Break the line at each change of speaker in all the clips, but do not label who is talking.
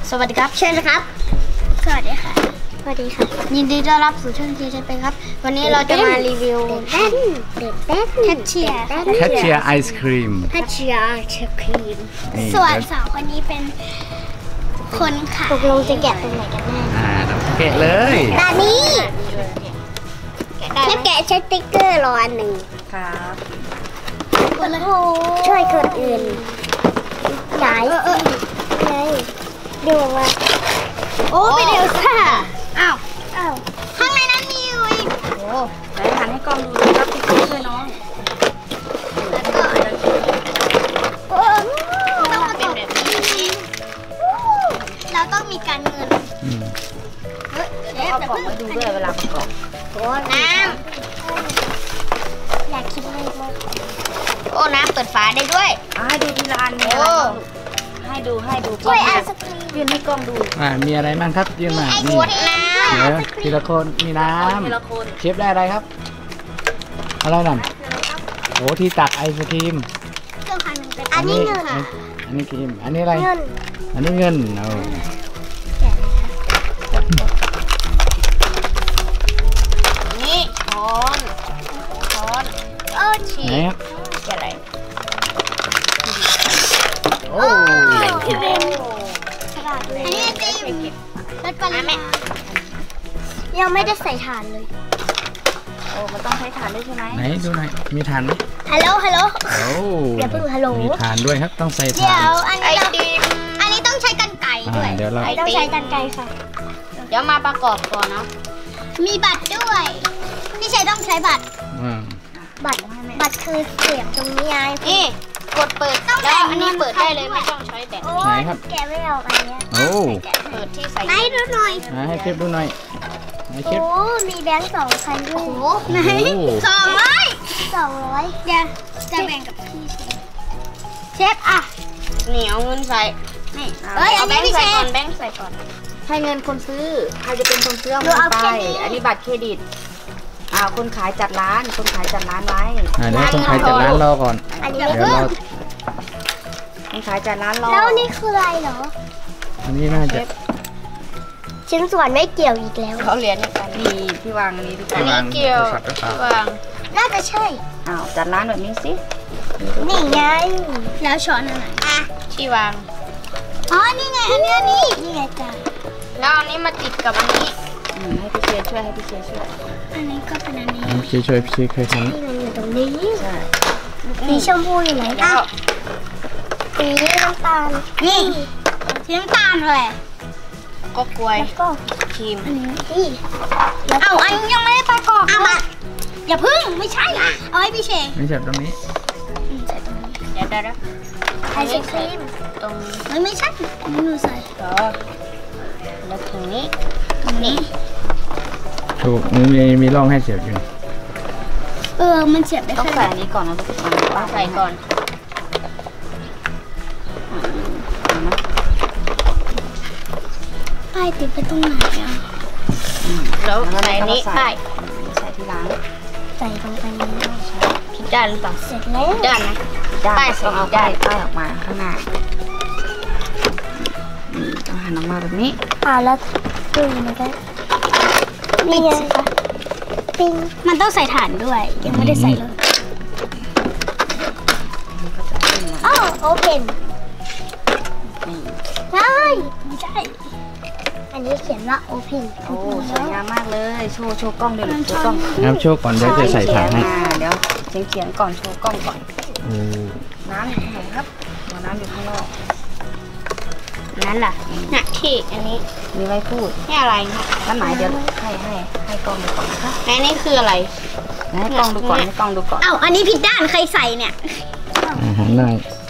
สวัสดีครับเชิญนะครับสวัสดีค่ะสวัสดีค่ะยินดีต้อนรับสู่ช่องเชฟเป็นครับวันนี้เราจะมารีวิวแคชเชียร์
ไอศครีม
ส่วนสองคนนี้เป็นคนขายตกลงจะแกะตรงไหนกันแน่
เราแกะเลย
ตอนนี้แกะใช้ติ๊กเกอร์รออันหนึ่ง
ครับ
ช่วยคนอื่นไหนดูมาโอ้เป็นเอลซ่าอ้าวข้างในนั้นมีอยู่อีก
โอ้ไหนหันให้กล้องดูนะครับพี่ช่วยน้อง
แล้วก็ต้องมาเป็นแบบนี้เราต้องมีการเงิน
เอากล่องมาดูด้วยเวลาประกอบ
โอ้น้ำอยากคิดเลยว่าโอ้น้ำเปิดฝาได้ด้วย
ให้ดูทีละอันเนี่ยให้ดู
ช่วยไอศครีม
ยืนให้กล้องดู
มีอะไรบ้างครับยืนมา
นี่
เดี๋ยวทีละคนมีน้ำเชฟได้อะไรครับอะไรนั่นโอ้ที่ตักไอศครีม
อันนี้เงิน
อันนี้ครีมอันนี้อะไรอันนี้เงิน
นี่ช้อน
ฉีก
อะไร
โอ้
อันนี้ติมรสปลาแม่ยังไม่ได้ใส่ถ่านเลย
โอ้มันต้องใช้ถ่านด้วยใช่ไหม
ไหนดูหน่อยมีถ่านไหม
ฮัลโหล
โอ้
อย่าเพิ่งฮัลโหล
มีถ่านด้วยครับต้องใส่ถ่าน
เดี๋ยวอันนี้ต้องใช้กรรไกรด้วย
เดี๋ยวเรา
ต้องใช้กรรไกรค่ะ
เดี๋ยวมาประกอบก่อนนะ
มีบัตรด้วยพี่ชัยต้องใช้บัตรคือเสียบตรงนี้ไง
นี่กดเปิดแล้วอันนี้เปิดได้เลยไม่ต้องใช้แบต
ไหนครับ
แกไม่เอาอันนี้
โอ้
เปิดที่ใส่
ไหนดูหน่อย
ให้เชฟดูหน่อย
โอ้มีแบงค์2,000ด้วยไหน200จะแบ่งกับพี่เชฟอ่ะ
เหนียวเงินใส่
นี่เอาแบงค์ใส่ก่อน
แบงค์ใส่ก่อนให้เงินคนซื้อใครจะเป็นคนซื้อเอาไปอันนี้บัตรเครดิตคนขายจัดร้านไว้
เดี๋ยวคนขายจัดร้านรอก่อน
เดี๋ยวรอ
คนขายจัดร้านรอ
แล้วนี่คืออะไรเหรอ
อันนี้น่าจะ
ชิ้นส่วนไม่เกี่ยวอีกแล้ว
เขาเรียนกันนี่ที่วางอันนี้ดีกว่าอันนี้เกี่ยวที่วาง
น่าจะใช่
จัดร้านแบบนี้สิ
นี่ไงแล้วช้อนอะไร
ที่วาง
นี่ไงอันนี้ไงจ้ะ
แล้วอันนี้มาติดกับอันนี้ให้พี่เชียร์ช่วย
อันนี้ก็เป็นอันนี้
พี่ช่วยเคยทำ
นี่มันอยู่ตรงนี้สีชมพูอยู่ไหนสีน้ำตาลนี่สีน้ำตาลอะไร
ก็กล้วยครีม
อันนี้อันยังไม่ได้ประกอบอย่าพึ่งไม่ใช่เอาให้พี่เชง
ไม่ใช่ตรงนี้
ใส่ตรงนี้
เดี๋ยว
ไอศครีม
ตรง
ไม่ใช่ไม่รู้ใส่
แล้วตรงนี้นี่
ถูกมีร่องให้เสียบอยู่
มันเสียบได้
ต้องใส่อันนี้ก่อนนะทุกคนต้องใส่ก่อน
ป้ายติดไปตรงไหน
แล้วใส่นี้ป้ายใส่ที่ล้าง
ใส่ลงไปนี้
ผิดด้านหรือเปล่า
เสร็จแล้ว
ด้านนะป้ายต้องเอาป้ายออกมาข้างหน้าต้องหันออกมาแบบนี้
แล้วดูมันก็นี่ไงคะปิ้งมันต้องใส่ถ่านด้วยยังไม่ได้ใส่เลยโอเพนไม่ใช่อันนี้เขียนว่าโอเพน
โอ้สวยงามมากเลยโชว์กล้องเลยโชว์กล้อง
โชว์ก่อนเดี๋ยวจะใส่ถ่านให้
เดี๋ยวเขียนก่อนโชว์กล้องก่อนน้ำอยู่ข้างในครับน้ำอยู่ข้างนอกนั่นล่ะ
ที่อันนี้
มีไว้พูด
นี่อะไร
นั่นหมายเดี๋ยวให้กล้องดูก่อนนะคะ
และนี่คืออะไร
ให้กล้องดูก่อน
อันนี้ผิดด้านใครใส่เนี่ย
หันหน้า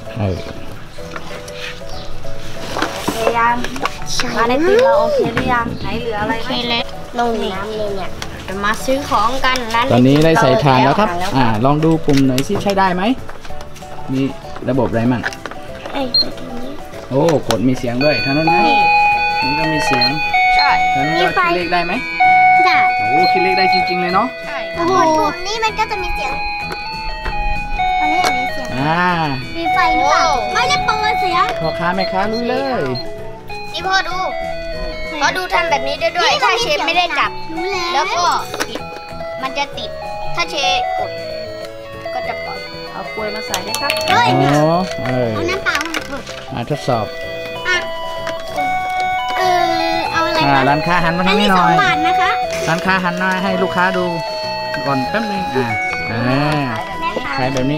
ยังมาในตีเราโอเคหรือยังไหนเหลืออะไรไหม
ลงน้ำเลยเนี่ยจะมาซื้อของกัน
ตอนนี้ได้ใส่ถ่านแล้วครับลองดูปุ่มหน่อยสิใช้ได้ไหมมีระบบอะไรมั่งโอ้กดมีเสียงด้วยท่านนั้นนะนี่ก็มีเสียง
ใช่
ท่านนั้นคิดเลขได้ไหม
ได้
โอ้คิดเลขได้จริงๆเลยเนาะ
ใช่
ปุ่มนี้มันก็จะมีเสียงอันนี้มีเสียงมีไฟหรือเปล่าไม่ได้เปิดเสียง
พ่อค้าแม่ค้ารู้เลย
นี่พ่อดูทำแบบนี้ได้ด้วยถ้าเชฟไม่ได้จับแล้วก็ปิดมันจะติดถ้าเชฟกดก็จะปล่อย
เอากล้วยมาใส่ได้ครับ
อ๋อ
เอาน้ำเปล่า
มาทดสอบ
เอาอะไร
ร้านค้าหันมาทางนี้หน่อย
2 บาทนะคะ
ร้านค้าหันหน้าให้ลูกค้าดูก่อนแป๊บนึงขายแบบนี้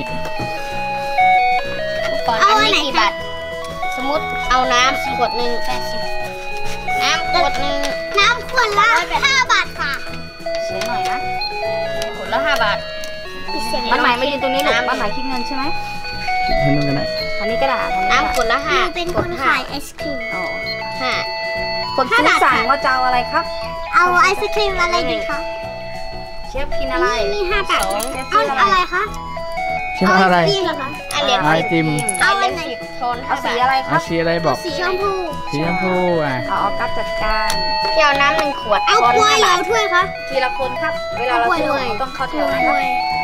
ก่อนอันนี้กี่บาทสมมติเอาน้ำขวดหนึ่ง80น้ำขวดหนึ่งน้ำขวดละ5 บาทค่ะ
เสียหน่อยนะ
ขวดละ5 บาท
บ้านใหม่มายืนตรงนี้ลูกบ้านใหม่คิดเงินใช่ไหม
ให้นู่นกันได้
อันนี้ก็ได้
น้ำขวดละ5เป็นคนขายไอศครีม
อ๋อ
5
คนซื้อสั่งว่าจะเอาอะไรครับ
เอาไอศครีมอะไรดีคะ
เชฟกินอะไร
มี5 บาทเอาอะไรคะ
เชื่ออะไร
ไอติม
ไอติม
เอาอันไหนโทน
เอาสีอะไรค
เอา
รับ
สีอะไรบอก
สีชมพู
สีชมพู
เอาออกัสจัดการ
พี่เอาน้ำ1 ขวดเอากล้วยแล้วถ้วยคะ
ทีละคนครับ เวลาเราซื้อต้องเข้าแถวนะครับ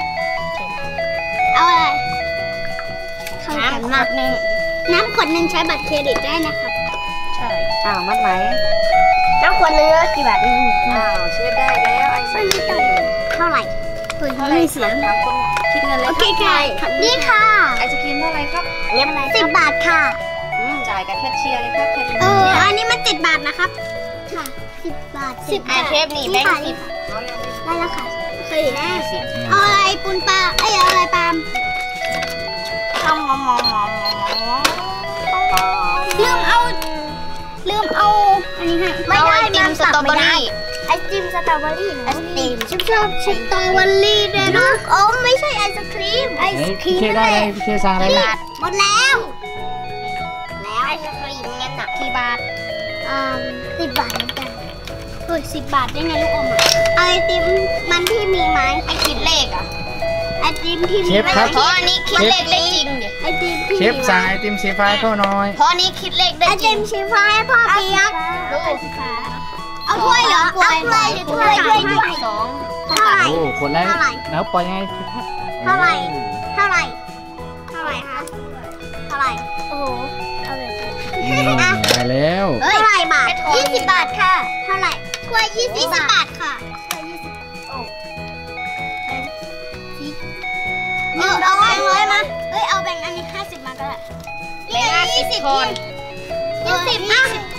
เอาอะไรน้ำขวดหนึ่งน้ำขวดหนึ่งใช้บัตรเครดิตได้นะครับใช่
มัดไหม
น้ำขวดหนึ่งกี่บาท
เชฟได้แล้วไอศครีม
เท่าไหร่
เท่าไหร่ถามคนคิดเงินเลย
โอเคค่ะนี่ค่ะ
ไอศครีมเท่าไหร่ครับ
10 บาทค่ะ
จ่ายกับแคชเชียร์เลยครับ
อันนี้มัน7 บาทนะครับค่ะ10 บาท10 บาทเทปนี่แบงค์10ได้แล้วค่ะเคยได้เอาอะไรปูนปลาเอาอะไรปาล์มลืมเอาอันนี้ให้ไม่ได้ไอติมสตรอเบอรี่ไอติมสตรอเบอรี่ไอติมชอบสตรอเบอรี่ด้วยนะอ๋อไม่ใช่ไอศครีมไอศครี
พี่
ม
เชได้อะไรพี่เชสั่งอะไรบ้าง
หมดแล้วไอศครีมงั้นหนักกี่บาท10 บาทเหมือนกันเฮ้ย10 บาทได้ไงลูกอมไอติมมันที่มีไหมไอคิดเลขอ่ะไอติมที่มีเพราะอันนี้คิดเลขได้จริงดิไอติมที่
เชฟสั่งไอติมสีฟ้าให้พ่อหน่อย
เพราะนี้คิดเลขได้จริงไอติมสีฟ้าให้พ่อเปียกเอาถ้วยเหรอเอาถ้วย2 เท่าไหร่
โอ้คนแรกแล้วปล่อยยังไง
เท่าไหร่คะเท่าไหร่โอ้โหเอาเลย
ได้แล้ว
เท่าไหร่บาท20 บาทค่ะเท่าไหร่ถ้วย20 บาทค่ะเอาแบงค์100มาเอาแบงค์อันนี้50มาก็ได้แบงค์20คน20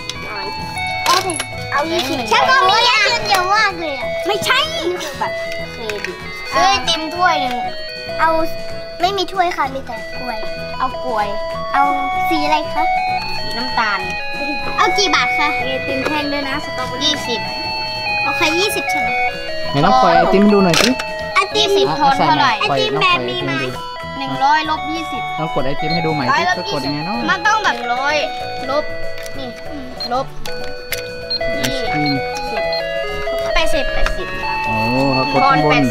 เอา20ฉันก็มีเงินเยอะมากเลยไม่ใช่บัตรเครดิตซื้อไอติมถ้วยหนึ่งเอาไม่มีถ้วยค่ะมีแต่กล้วยเอากล้วยเอาสีอะไรคะสีน้ำตาลเอากี่บาทคะ
ไอติมแท่งด้วยนะสตรอเบอรี่
20โอเค20ใช่ไหม
ไหนน้องปล่อยไอติมดูหน่อยสิ
ไอติม10 ทนเท่าไหร่ไอติมแบบมีไหม100 ลบ 20
เรากดไอติมให้ดูใหม่สิจะกดยังไงเนาะ
มันต้องแบบ100 ลบนี่ลบ80
โอ้เขากด
ทอน
ข้างบน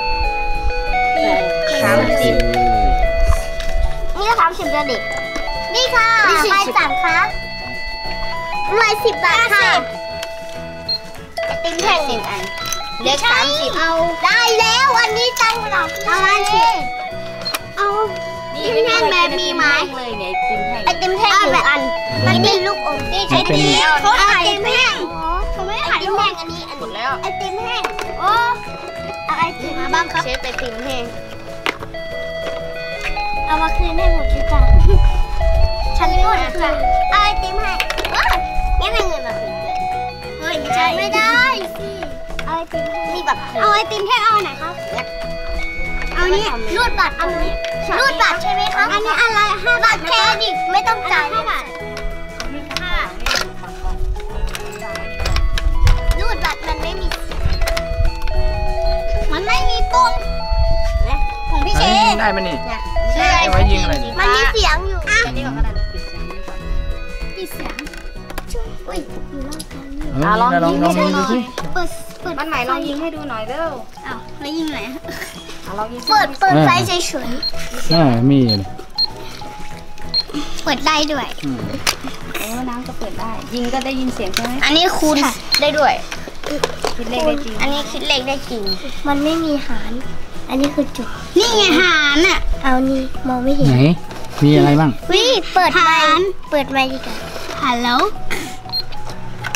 30นี่ก็30เลยดินี่ค่ะใบสั่งคะ110 บาทค่ะติมแท่ง1 อันเล็ก30เอาได้แล้วอันนี้ตังค์หรอเอาอันนี้เอาติมแท่งแบบมีไหม
เลยเนี่ยไอติมแท่ง
ไอติมแท่ง1 อันมันมีลูกอมนี่ใช้ติมเขาขายไอติมแท่งเขาไม่ขายลูกอมอันนี้หมดแล้วไอติมแห้งโอ้เอาไอติมมาบ้างครับเชฟไอติมแห้งเอามาคืนให้ผมจ้ะฉันพูดคืนเอาไอติมให้งั้นเอาเงินมาคืนเฮ้ยไม่ใช่ไม่ได้สิเอาไอติมมีแบบเอาไอติมแห้งเอาไหนครับเอานี้รูดบัตรเอานี้รูดบัตรใช่ไหมคะอันนี้อะไร5 บาทเครดิตไม่ต้องจ่าย5 บาทรูดบัตรมันไม่มีปุ่มนะของพี่เชน
ได้ไหมนี่
ซื้อไอ
ไว้ยิงอะไร
มันมีเสียงอยู่อ่ะ
อันนี้ก็ได้ปิดเสียงก่อน
ปิดเสียงอุ้ยอยู่รอบกัน
ลองยิงดูสิ
เปิด
บ้านใหม่ลองยิงให้ดูหน่อยเร็ว
อ้าวแล้วยิงไหน
ลองยิง
เปิดไฟเฉย
มี
เปิดได้ด้วย
น้ำก็เปิดได้ยิงก็ได้ยินเสียงใช่ไหม
อันนี้คูณได้ด้วย
คิดเลขได้จริง
อันนี้คิดเลขได้จริงมันไม่มีหารอันนี้คือจุดนี่ไงหารอ่ะเอานี่มองไม่เห็น
ไหนมีอะไรบ้าง
วิเปิดไมค์ดีกว่าฮัลโหล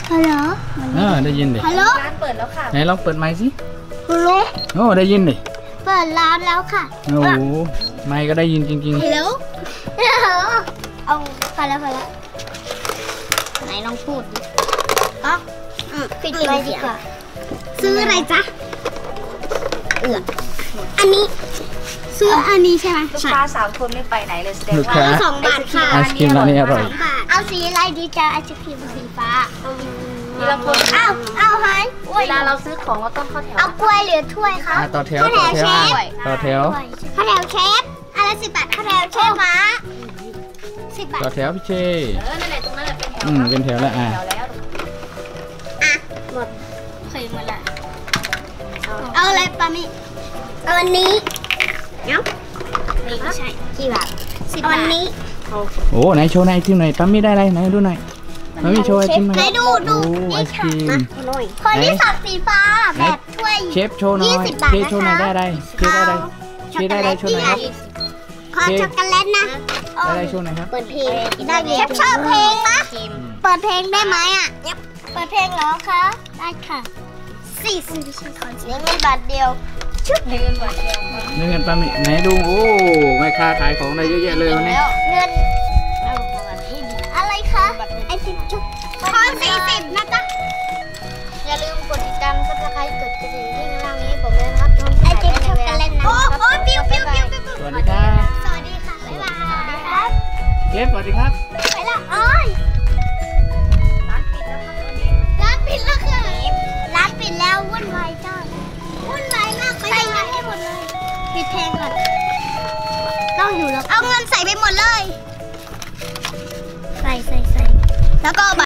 ฮัลโหล
ได้ยินดิ
ฮัลโหล
ร้านเปิดแล้วค่ะ
ไหนลองเปิดไมค์สิ
ฮัลโหล
โอ้ได้ยินดิ
เปิดร้านแล้วค่ะ
โอ้โหไมค์ก็ได้ยินจริง
ฮัลโหลเอาพอแล้วไหนลองพูดดิอ๋อปิดไว้ดีกว่าซื้ออะไรจ๊ะอันนี้ซื้ออันนี้ใช่ไหม
ลูกค้า3 คนไม่ไปไหนเลยแสดง
ลูก
ว่า
ค้า
2 บาทค่ะ
ไอศครีมร้านนี้อร่อย
เอาสีอะไรดีจ๊ะไอศครีมสีฟ้า
ทีละคน
เอาหาย
เวลาเราซื้อของเราต้องเข้าแถว
เอากล้วยหรือถ้วยคะ
ต่อแถว
ข้าวแถวเชฟ
ต่อแถว
ข้าวแถวเชฟอะไร10 บาทข้าวแถวเชฟม้า10 บาท
ต่อแถวพี่เช
นั่นแหละตรงนั้นแหละเป็นแถว
เป็นแถวแล้ว
แถวแล้ว
หมดเคยหมดละเอาอะไรปามิเอาอันนี้เนาะนี่ไม่ใช่กี่บาท10 บาทอันนี้
โอ้ไหนโชว์ในไอติมหน่อยปั๊มมี่ได้อะไรไหนดูหน่อยปั๊มมี่โชว์ไอติมหน่อย
ไหนดู
โอ้ไอศครีม
คนที่สับสีฟ้าแบบถ้วย
เชฟโชว์หน่อย
20 บาท
เชฟ
นะคะ
โชว์หน่อยได้อะไรเชฟได้อะไรเชฟได้อะไรโชว์หน่อยครับ
ขอช็อกโกแลตนะ
ได้อะไรโชว์หน่อยครับ
เปิดเพลงได้เลยชอบเพลงนะเปิดเพลงได้ไหมอ่ะเปิดเพลงแล้วคะได้ค่ะ40 เงินบาทเดียวชุด
เงินบาทเดียว
นี่เงินปั๊มมี่ไหนดูโอ้แม่ค้าขายของได้เยอะแยะเลยวันนี้
เงินอะไรคะไอติมชุบขอ40 นะจ๊ะอย่าลืมกดติดตามซับสไครต์กดกระดิ่งที่ข้างล่างนี้ผมเลยนะครับไอติมช็อกโกแลตนะโอ้ปิ้ว
สวัสดีครับ
สวัสดีค่ะบ๊ายบายครับ
เชฟสวัสดีครับ
ไปละอ้อย
ร้านปิดแล้วค่ะตอนนี้
ร้านปิดแล้ววุ่นวายจ้าวุ่นวายมากใส่เงินให้หมดเลยปิดเพลงก่อนต้องอยู่แล้วเอาเงินใส่ไปหมดเลยใส่แล้วก็